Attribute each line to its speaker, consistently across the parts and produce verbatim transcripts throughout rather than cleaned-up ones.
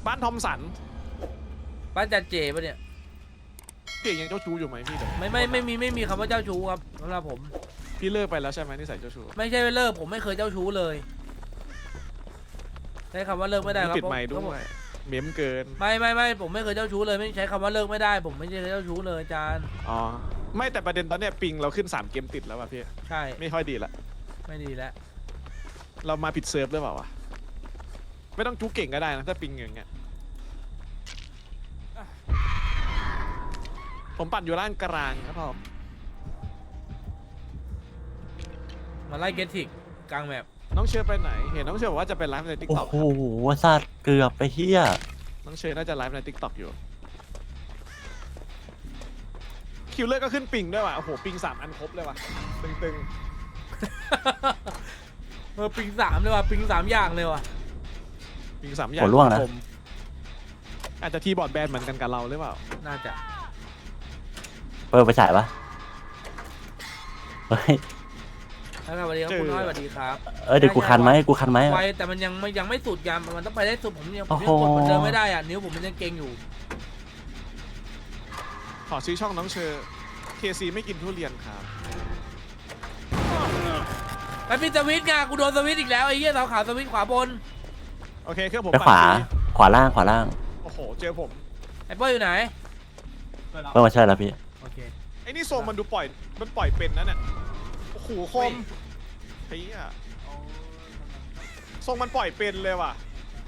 Speaker 1: บ้านทอมสัน
Speaker 2: บ้านจันเจปะเนี่ย
Speaker 1: พี่ยังเจ้าชู้อยู่ไหมพี่
Speaker 2: ไม่ไม่ไม่มีไม่มีคำว่าเจ้าชู้ครับสำหรับผม
Speaker 1: พี่เลิกไปแล้วใช่ไหมนิสัยเจ้าชู้
Speaker 2: ไม่ใช่เลิกผมไม่เคยเจ้าชู้เลยใช้คำว่าเลิกไม่ได้ครับ
Speaker 1: ปิดไมค์ด้วยเม้มเกิน
Speaker 2: ไม่ไม่ไม่ผมไม่เคยเจ้าชู้เลยไม่ใช้คำว่าเลิกไม่ได้ผมไม่ใช่เจ้าชู้เลยจาน
Speaker 1: อ๋อไม่แต่ประเด็นตอนเนี้ยปิงเราขึ้นสามเกมติดแล้วว่ะพี่
Speaker 2: ใช่
Speaker 1: ไม่ค่อยดีละ
Speaker 2: ไม่ดีแล้ว
Speaker 1: เรามาผิดเซิร์ฟหรือเปล่าวะไม่ต้องจู้เก่งก็ได้นะถ้าปิงอย่างเงี้ยผมปั่นอยู่ล่างกลางครับผม
Speaker 2: มาไล่เกตทิกกลางแมป
Speaker 1: น้องเชอร์ไปไหนเห็นน้องเชอร์บอกว่าจะเป็นไลฟ์ในทิกตอก
Speaker 3: โอ้โหสัตว์เกือบไปเฮีย
Speaker 1: น้องเชอร์น่าจะไลฟ์ในทิกตอกอยู่คิวเลอร์ก็ขึ้นปิงด้วยว่ะโอ้โหปิงสามอันครบเลยว่ะตึง
Speaker 2: ๆเออปิงสามเลยว่ะปิงสามอย่างเลยว่ะ
Speaker 1: ปิงสามอย่าง
Speaker 3: หัวร่วงนะ
Speaker 1: อาจจะทีบอร์ดแบนเหมือนกันกับเราหรือเปล่า
Speaker 2: น่าจะ
Speaker 3: เปิดไปฉายปะเฮ้ย
Speaker 2: สวัสดีครับคุณน้อยสวัสดีครับ
Speaker 3: เออเดี๋ยวกูคันไหมกูคันไหม
Speaker 2: ไปแต่มันยังไม่ยังไม่สุดกันมันต้องไปได้สุดผมยังผมยังกดมันเดินไม่ได้อ่ะนิ้วผมมันยังเก่งอยู่
Speaker 1: ขอซื้อช่องน้องเชอร์เคซีไม่กินทุเรียนครับ
Speaker 2: ไปปิดสวิตช์ไงกูโดนสวิตช์อีกแล้วไอ้เหี้ยเสาขาวสวิตช์ขวาบน
Speaker 1: โอเคเครื่องผม
Speaker 3: ไปขวาขวาล่างขวาล่าง
Speaker 1: โอ้โหเจอผม
Speaker 2: ไอ้เปิ้ลอยู่ไหน
Speaker 3: เปิ้ลมาใช่แล้วพี่
Speaker 2: โอเค
Speaker 1: ไอ้นี่โซมมันดูปล่อยมันปล่อยเป็นนะเนี่ยโอ้โหคมเฮียทรงมันปล่อยเป็นเลยว่ะ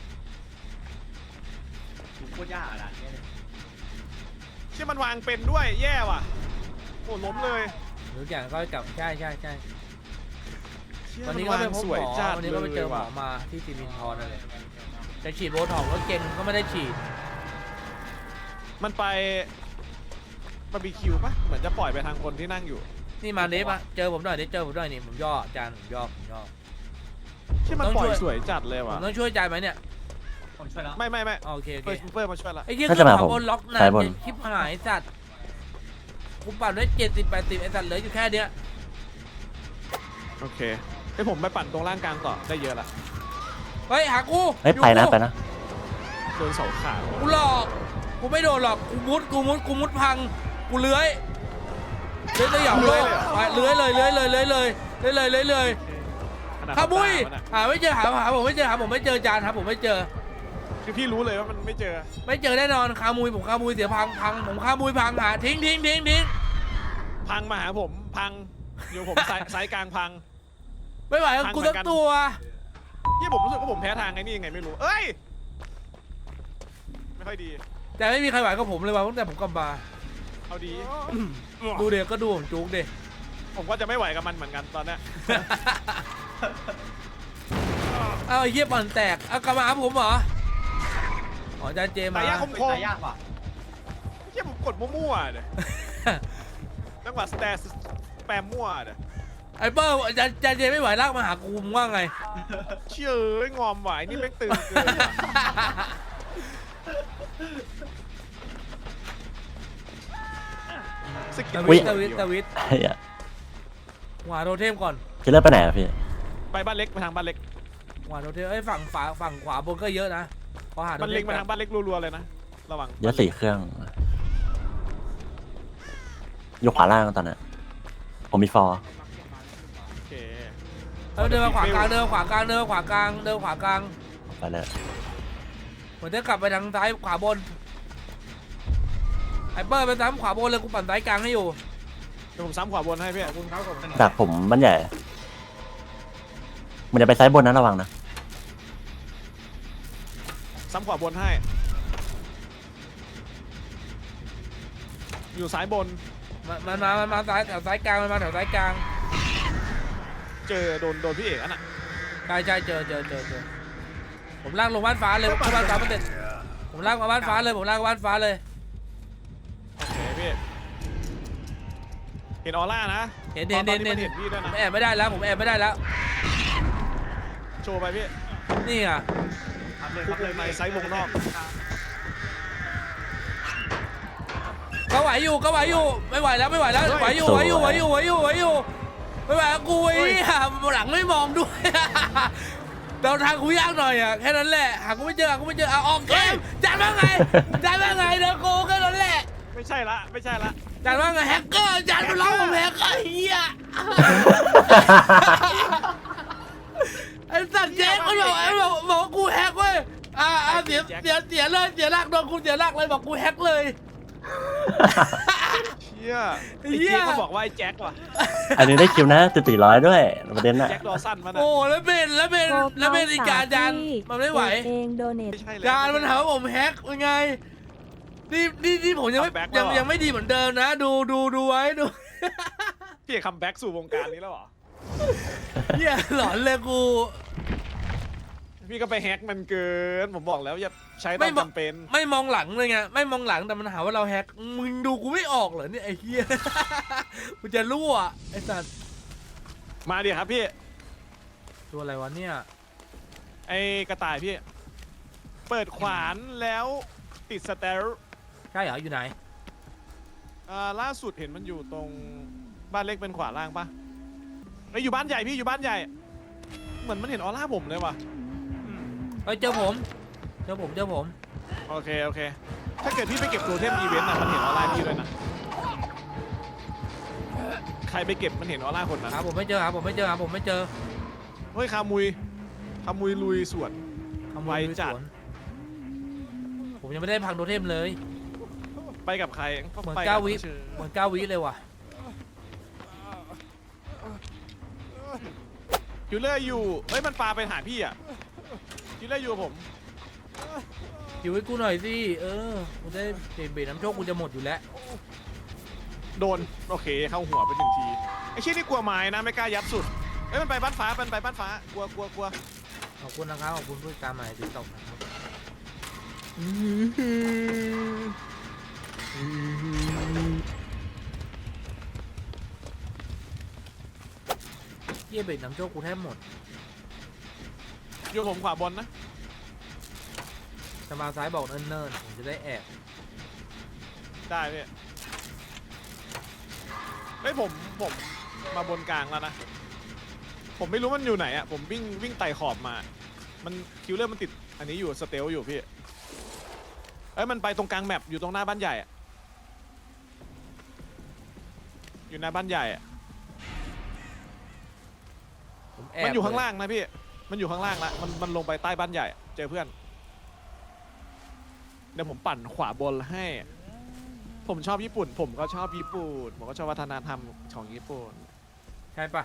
Speaker 4: โคตรยากอ่ะ
Speaker 1: เชื่อมันวางเป็นด้วยแย่ว่ะโอ้ล้มเลย
Speaker 2: ทุกอย่างก็กลับใช่ใช่ใช่วันนี้ก็ไปพบหมอวันนี้ก็ไปเจอหมอมาที่ซีมินทอนอะไรจะฉีดโบท็อกซ์แล้วเก่งก็ไม่ได้ฉีด
Speaker 1: มันไปบาร์บีคิวปะเหมือนจะปล่อยไปทางคนที่นั่งอยู่
Speaker 2: นี่มาเนี้ยปะเจอผมหน่อยเดี๋ยวเจอผมหน่อยนี่ผมย่อจานผมย่อผมย่อ
Speaker 1: ที่มันปล่อยสวยจัดเลยว่ะ
Speaker 2: ต้องช่วยจานไหมเนี่ย
Speaker 4: ผมช่วยแล้ว
Speaker 1: ไม่ไม่ไม่
Speaker 2: โอเคโอเค
Speaker 1: เฟิร์สมาช่วยละ
Speaker 2: ไอ้เหี้ยคือขับบนล็อกนะคลิปหายสัตว์กูปั่นได้เจ็ดสิบแปดสิบไอ้สัตว์เหลืออยู่แค่เนี้ย
Speaker 1: โอเคให้ผมไปปั่นตรงล่างกลางต่อได้เยอะละ
Speaker 2: เฮ้ยหากู
Speaker 3: เฮ้ยไปนะไปนะ
Speaker 1: โดนเสาขา
Speaker 2: กูหลอกกูไม่โดนหรอกกูมุดกูมุดกูมุดพังกูเลื้อยเลื้อยสยองโลกไปเลื้อยเลยเลื้อยเลยเลื้อยเลยเลื้อยเลยเลื้อยเลยขบุยหาไม่เจอหาหาผมไม่เจอหาผมไม่เจอจานครับผมไม่เจอ
Speaker 1: คือพี่รู้เลยว่ามันไม่เจอ
Speaker 2: ไม่เจอแน่นอนคามุยผมคามุยเสียพังพังผมคามุยพังหาทิ้งทิ้งทิ้งทิ้ง
Speaker 1: พังมาหาผมพังอยู่ผมสายสายกลางพัง
Speaker 2: ไม่ไหวกูสักตัว
Speaker 1: ที่ผมรู้สึกว่าผมแพ้ทางไงนี่ยังไงไม่รู้เอ้ยไม่ค่อยดี
Speaker 2: แต่ไม่มีใครไหวกับผมเลยว่ะตั้งแต่ผมกลับมา
Speaker 1: เอาดี
Speaker 2: ดูเด็กก็ดูผมจุกเด็ก
Speaker 1: ผมก็จะไม่ไหวกับมันเหมือนกันตอนนี้
Speaker 2: เอาไอ้เหี้ยปั่นแตกเอากลับมาหาผมเหรออ๋อจานเจมา
Speaker 1: ตายยากคมคม
Speaker 4: ยากว่ะ
Speaker 1: เหี้ยผมกดมั่วๆเลยจังหวะสแตสแปมมั่วเลย
Speaker 2: ไอ้เปิ้ลจานจานเจไม่ไหวลากมาหากูมึงว่าไง
Speaker 1: เชื่อเอ้ยงอมไหวนี่แม่งตื่นเกิน
Speaker 2: สวิตสวิตสวิตหวาโรเทมก่อน
Speaker 3: จะเลิกไปไหนอะพี่
Speaker 1: ไปบ้านเล็กไปทางบ้านเล็ก
Speaker 2: หวาโรเทมไอ้ฝั่งฝาฝั่งขวาบนก็เยอะนะพอหา
Speaker 1: บ้านเล็กมาทางบ้านเล็กรัวๆเลยนะระวัง
Speaker 3: เยอะสี่เครื่องยกขวาล่างตอนนี้ผมมีฟอร์
Speaker 1: โอเค
Speaker 2: เดินมาขวากลางเดินมาขวากลางเดินมาขวากลางเดินขวากลาง
Speaker 3: ไปเลย
Speaker 2: เหมือนจะกลับไปทางซ้ายขวาบนไอ้เปิ้ลไปซ้ำขวาบนเลยกูปั่นซ้ายกลางให้อยู่
Speaker 1: เดี๋ยวผมซ้ำขวาบนให้พี่คุณเขา
Speaker 3: ดักผมบ้านใหญ่มันจะไปซ้ายบนนะระวังนะ
Speaker 1: ซ้ำขวาบนให้อยู่ซ้ายบน
Speaker 2: มันมามันมาซ้ายแถวซ้ายกลางมันมาแถวซ้ายกลาง
Speaker 1: เจอโดนโดนพี่เอกอ่ะน่ะ
Speaker 2: ใช่ใช่เจอเจอเจอเจอผมลากลงบ้านฟ้าเลยผมบ้านฟ้ามันเด็ดผมลากมาบ้านฟ้าเลยผมลากมาบ้านฟ้าเลย
Speaker 1: โอเคพี่เห็นออร่านะ
Speaker 2: เห็นเห็นเห็นเห็นผมแอบไม่ได้แล้วผมแอบไม่ได้แล้ว
Speaker 1: โชว์ไปพี่
Speaker 2: นี่อ่ะ
Speaker 1: คุกเลยในไซส์วงนอก
Speaker 2: ก็ไหวอยู่ก็ไหวอยู่ไม่ไหวแล้วไม่ไหวแล้วไหวอยู่ไหวอยู่ไหวอยู่ไหวอยู่ไหวอยู่ไม่ไหวกูไอ้หลังไม่มองด้วยเดาทางกูยากหน่อยอ่ะแค่นั้นแหละหากูไม่เจอหากูไม่เจอเอาออกเกมจานว่าไงจานว่าไงเดี๋ยวกูแค่นั้นแหละ
Speaker 1: ไม่ใช่ละไม่ใช่ละ
Speaker 2: จานว่าไงแฮกเกอร์จานมันร้องผมแฮกเกอร์เฮียไอ้สัตว์แจ็คมันบอกไอ้บอกบอกว่ากูแฮกเว้ยอ่าอ่าเสียเสียเสียเลยเสียหลักโดนกูเสียหลักเลยบอกกูแฮกเลย
Speaker 1: เชี่ยไอ้
Speaker 2: เหี้ย
Speaker 1: เจ๊เขาบอกว่าไอ้แจ็คว่ะ
Speaker 3: อันนี้ได้คิวนะติดสี่ร้อยด้วยประเด็นน่ะ
Speaker 1: แจ็คดอสันมันอะ
Speaker 2: โอ้แล้วเป็นแล้วเป็นแล้วเป็นอีกการจานมันไม่ไหว
Speaker 5: เองโดเนท
Speaker 1: ไม่ใช่เลย
Speaker 2: จานมันหาว่าผมแฮกเป็นไงนี่นี่นี่ผมยังไม่
Speaker 1: Comeback
Speaker 2: ยัง
Speaker 1: แล้วเหรอ
Speaker 2: ยังไม่ดีเหมือนเดิมนะ ดูดูดูไว้ดู
Speaker 1: พี่คัมแบ็กสู่วงการนี้แล้วเหรอ
Speaker 2: เฮียหลอนเลยกู
Speaker 1: พี่ก็ไปแฮกมันเกินผมบอกแล้วอย่าใช้ต
Speaker 2: ไม่
Speaker 1: อน
Speaker 2: บอก
Speaker 1: จำเป็น
Speaker 2: ไม่มองหลังเลยไงไม่มองหลังแต่มันหาว่าเราแฮกมึงดูกูไม่ออกเหรอเนี่ยไอ้เฮีย กูจะรั่วไอ้สัตว์
Speaker 1: มาดิครับพี่
Speaker 2: ตัวอะไรวะเนี่ย
Speaker 1: ไอ้กระต่ายพี่ เปิดขวานแล้วติดสเตล
Speaker 2: ใช่เหรออยู่ไหน
Speaker 1: อ่าล่าสุดเห็นมันอยู่ตรงบ้านเล็กเป็นขวาล่างปะไอ้ยอยู่บ้านใหญ่พี่อยู่บ้านใหญ่ เหมือนมันเห็นออร่าผมเลยว่ะ
Speaker 2: เฮ้ยเจอผมเจอผมเจอผม
Speaker 1: โอเคโอเค ถ้าเกิดพี่ไปเก็บโทเทมอีเวนต์อ่ะมันเห็นออร่าพี่ด้วยนะใครไปเก็บมันเห็นออร่าคนนั้น
Speaker 2: หาผมไม่เจอหาผมไม่เจอหาผมไม่เจอ
Speaker 1: เฮ้ยคามุยคามุยลุยสวน
Speaker 2: ขโม
Speaker 1: ไวย จัด
Speaker 2: สวนผมยังไม่ได้พังโทเทมเลย
Speaker 1: ไปกับใคร
Speaker 2: เหมือน
Speaker 1: ไปบ
Speaker 2: เก้าวิ
Speaker 1: เชอ
Speaker 2: เหมือนเก้าวิเลยว่ะ
Speaker 1: คิวเลอร์อยู่เฮ้ยมันปาไปหาพี่อ่ะคิวเลอร์อยู่กับผม
Speaker 2: อยู่ให้กูหน่อยสิเออกูได้เบรน้ำโชคกูจะหมดอยู่แล้ว
Speaker 1: โดนโอเคเข้าหัวไปหนึ่งทีไอ้เชี่ยนี่กลัวไม้นะไม่กล้ายัดสุดเฮ้ยมันไปบ้านฟ้ามันไปบ้านฟ้ากลัวกลัวกลัว
Speaker 2: ขอบคุณนะครับขอบคุณผู้ติดตามใหม่ติ๊กต็อกนะครับเยี่ยเบรน้ำโชคกูแทบหมด
Speaker 1: อยู่ผมขวาบนนะ
Speaker 2: จะมาซ้ายบอกเนิ่นๆผมจะได้แอบ
Speaker 1: ได้พี่เฮ้ยผมผมมาบนกลางแล้วนะผมไม่รู้มันอยู่ไหนอ่ะผมวิ่งวิ่งไต่ขอบมา มันคิวเลอร์มันติดอันนี้อยู่สเตลอยู่พี่เอ้ยมันไปตรงกลางแมปอยู่ตรงหน้าบ้านใหญ่อะอยู่หน้าบ้านใหญ่อะ
Speaker 2: ผมแอบ
Speaker 1: มันอยู่ข้าง
Speaker 2: เล
Speaker 1: ล่างนะพี่มันอยู่ข้างล่างละมันมันลงไปใต้บ้านใหญ่อะเจอเพื่อนเดี๋ยวผมปั่นขวาบนให้ ผมชอบญี่ปุ่น ผมก็ชอบญี่ปุ่นผมก็ชอบวัฒนธรรมของญี่ปุ่น
Speaker 2: ใช่ปะ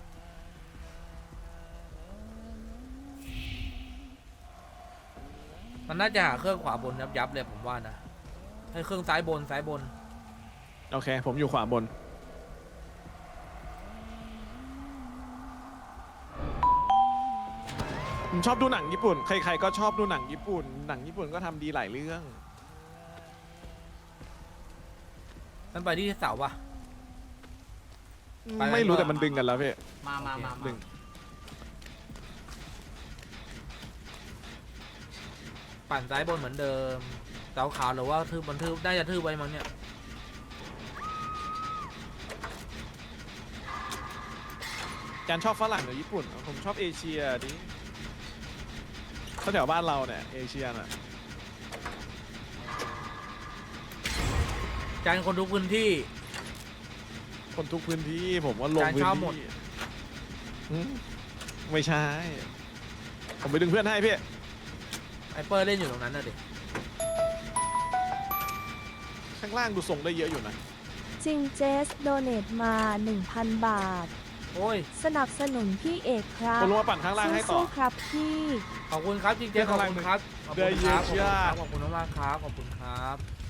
Speaker 2: มันน่าจะหาเครื่องขวาบนยับยับๆเลยผมว่านะให้เครื่องซ้ายบนซ้ายบน
Speaker 1: โอเค ผมอยู่ขวาบน ผมชอบดูหนังญี่ปุ่น ใครๆก็ชอบดูหนังญี่ปุ่น หนังญี่ปุ่นก็ทำดีหลายเรื่อง
Speaker 2: มันไปที่เสาปะ ไปไหม
Speaker 1: ไม่รู้แต่มันดึงกันแล้วพี่
Speaker 4: มามามา
Speaker 1: ดึ
Speaker 4: มาง
Speaker 2: ปั่นซ้ายบนเหมือนเดิมเสาขาวหรือว่าทืบมันทืบได้จะทืบไว้มั้งเนี่ย
Speaker 1: จานชอบฝรั่งหรือญี่ปุ่น ผมชอบเอเชียดิแถวบ้านเราเนี่ยเอเชียน่ะ
Speaker 2: จานคนทุกพื้นที่
Speaker 1: คนทุกพื้นที่ผมว่าลง
Speaker 2: จาน
Speaker 1: พื้น
Speaker 2: ชอบหมด
Speaker 1: ที่หืมไม่ใช่ ผมไปดึงเพื่อนให้พี่
Speaker 2: ไอเปอร์เล่นอยู่ตรงนั้นน่ะดิ
Speaker 1: ข้างล่างดูทรงได้เยอะอยู่นะ
Speaker 5: จริงเจสโดเนทมา หนึ่งพัน บาท
Speaker 2: โอ้ย
Speaker 5: สนับสนุนพี่เอกครับ
Speaker 1: ผมลงมาปั่นข้างล่างให้ต่อ
Speaker 5: สู้ๆครับพี่
Speaker 2: ขอบคุณครับจริงๆขอบคุณครับขอบคุณครับขอบคุณมากๆครับขอบคุณครับ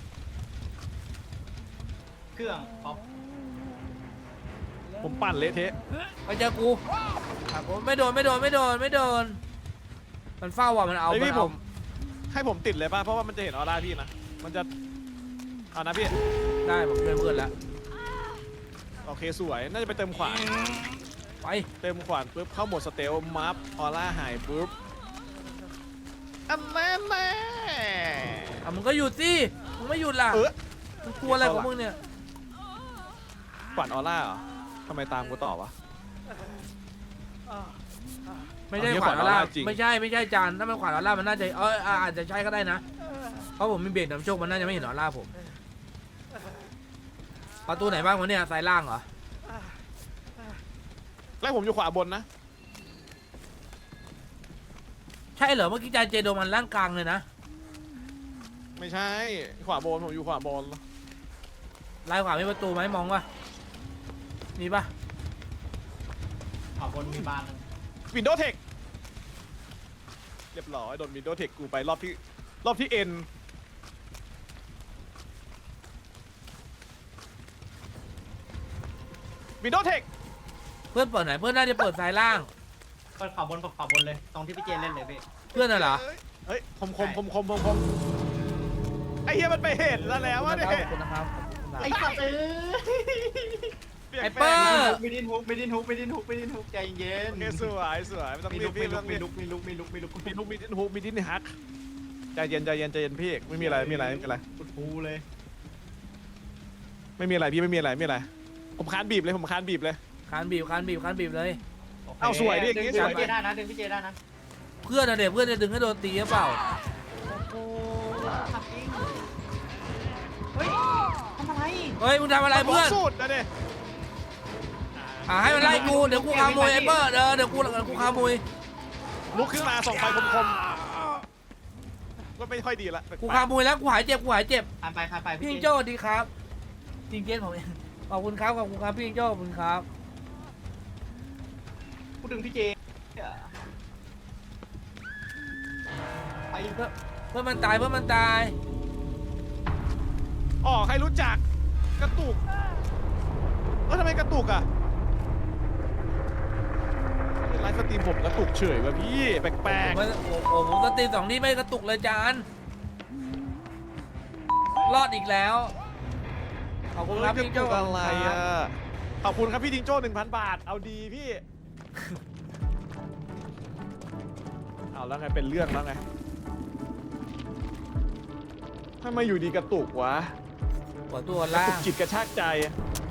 Speaker 4: เครื่องพร้อม
Speaker 1: ผมปั่นเละเทะ
Speaker 2: ไปเจอกูอ่ะผมไม่โดนไม่โดนไม่โดนไม่โดนมันเฝ้าว่ะมันเอา
Speaker 1: ไอ
Speaker 2: มัน
Speaker 1: พี่ผ
Speaker 2: เอา
Speaker 1: ม ให้ผมติดเลยป่ะ เพราะว่ามันจะเห็นออร่าพี่นะ มันจะ เอานะพี่
Speaker 2: ได้ผมช่วยเพื่อนแล้ว
Speaker 1: โอเคสวย น่าจะไปเติมขวาน
Speaker 2: ไป
Speaker 1: เติมขวานปุ๊บเข้าโหมดสเตลมัฟออร่าหายปุ๊บอันแน่แน่
Speaker 2: อ่ะมึงก็หยุดสิมึงไม่หยุดล่ะ
Speaker 1: เออ
Speaker 2: มึงกลัวอะไรของมึงเนี่ย
Speaker 1: ขวานออร่าเหรอทำไมตามกูต่อวะ
Speaker 2: ไม่ใช่
Speaker 1: เอา
Speaker 2: ขวานออร่า
Speaker 1: ขวานออร่าจริง
Speaker 2: ไม่ใช่ไม่ใช่จานถ้ามันขวานออร่ามันน่าจะเอออ่าอาจจะใช่ก็ได้นะเพราะผมมีเบรกนำโชคมันน่าจะไม่เห็นออร่าผมประตูไหนบ้างวะเนี่ยซ้ายล่างเหรอ
Speaker 1: แล้วผมอยู่ขวาบนนะ
Speaker 2: ใช่เหรอเมื่อกี้จานเจโดมันล่างกลางเลยนะ
Speaker 1: ไม่ใช่ขวาบนผมอยู่ขวาบน
Speaker 2: ลายขวามีประตูไหมมองว่ามีปะ
Speaker 4: ขวาบนมีบานหนึ่ง
Speaker 1: วินโดว์เทคเรียบร้อยโดนวินโดว์เทคกูไปรอบที่รอบที่เอ็นวินโดว์เทค
Speaker 2: เพื่อนเปิดไหนเพื่อนน่าจะเปิดซ้ายล่าง
Speaker 4: เปิดขวาบนเปิดขวาบนเลยตรงที่พี่เจเล่นเลยพี่
Speaker 2: เพื่อนน่ะเหรอ
Speaker 1: เฮ้ยคมคมคมคมคมคมไอ้เหี้ยมันไปเห็นแล้วแล้วว่าเนี่ย
Speaker 2: ขอบคุณนะครับขอบคุณครับ
Speaker 4: ไอ้สัตว์เอ้ย
Speaker 2: ไอ้เปิ้ล
Speaker 4: ไม่ดินฮุกไม่ดินฮุกไม่ดินฮุกไม่ดินฮุกใจเย็น
Speaker 1: โอเคสวยสวยไม่ต้อง
Speaker 4: มี
Speaker 1: รี
Speaker 4: ลุ
Speaker 1: บ
Speaker 4: ก
Speaker 1: พี่
Speaker 4: มี
Speaker 1: ไม่
Speaker 4: ลุ
Speaker 1: ต้อก ง
Speaker 4: มี
Speaker 1: รีบ
Speaker 4: ลุกมีลุกมีลุกมีลุกมีลุก
Speaker 1: มีทุกมีดินฮูมีดินฮักใจเย็นใจเย็นใจเย็นพี่ไม่มีอะไรไม่มีอะไรไม่มีอะไร
Speaker 4: กุดฟูเลย
Speaker 1: ไม่มีอะไรพี่ไม่มีอะไรไม่มีอะไรผมคานบีบเลยผมคานบีบเลย
Speaker 2: คานบีบคานบีบคานบีบเลย
Speaker 1: เอาสวยดิอย่างงี้
Speaker 4: ดึง
Speaker 1: สวย
Speaker 4: พี่เจได้นะดึงพี่เจได้นะ
Speaker 2: เพื่อนน่ะเด็กเพื่อนจะดึงให้โดนตีหรือเปล่า
Speaker 4: โอ้ทำจริงเฮ้ยทำอะไร
Speaker 2: เฮ้ยมึงทำอะไรเพื่อน
Speaker 1: สุดนะเนี่ย
Speaker 2: อ่าให้มันไล่กูเดี๋ยวกูขโมยไอ้เปิ้ลเออเดี๋ยวกูเดี๋ยวกูขโมย
Speaker 1: ลุกขึ้นมาส่องไฟคมๆก็ไม่ค่อยดีละ
Speaker 2: กูขโมยแล้วกูหายเจ็บกูหายเจ็บ
Speaker 4: คานไปคานไป
Speaker 2: พี่
Speaker 4: พี่
Speaker 2: จิง
Speaker 4: เจ
Speaker 2: โจ้สวัสดีครับจริงเจนผมเองขอบคุณครับขอบคุณครับพี่จิงโจ้ขอบคุณครับ
Speaker 4: กูดึงพี่เจไป
Speaker 2: เพื่อนเพื่อนมันตายเพื่อนมันตาย
Speaker 1: อ๋อใครรู้จักกระตุกเออทำไมกระตุกอ่ะไลฟ์สตรีมผมกระตุกเฉยวะพี่แปลก
Speaker 2: ผมโอ้โหผมสตรีมสองที่ไม่กระตุกเลยจานรอดอีกแล้วขอบ
Speaker 1: ๆ
Speaker 2: คุณครับพี่จิงโจ้
Speaker 1: กระตุกอะไรอ่ะขอบคุณครับพี่จิงโจ้หนึ่งพันบาทเอาดีพี่เอาแล้วไงเป็นเรื่องแล้วไงทำไมอยู่ดีกระตุกวะ
Speaker 2: หัวตัว
Speaker 1: กระ
Speaker 2: ล่า
Speaker 1: ตุก
Speaker 2: ง
Speaker 1: จิตกระชากใจ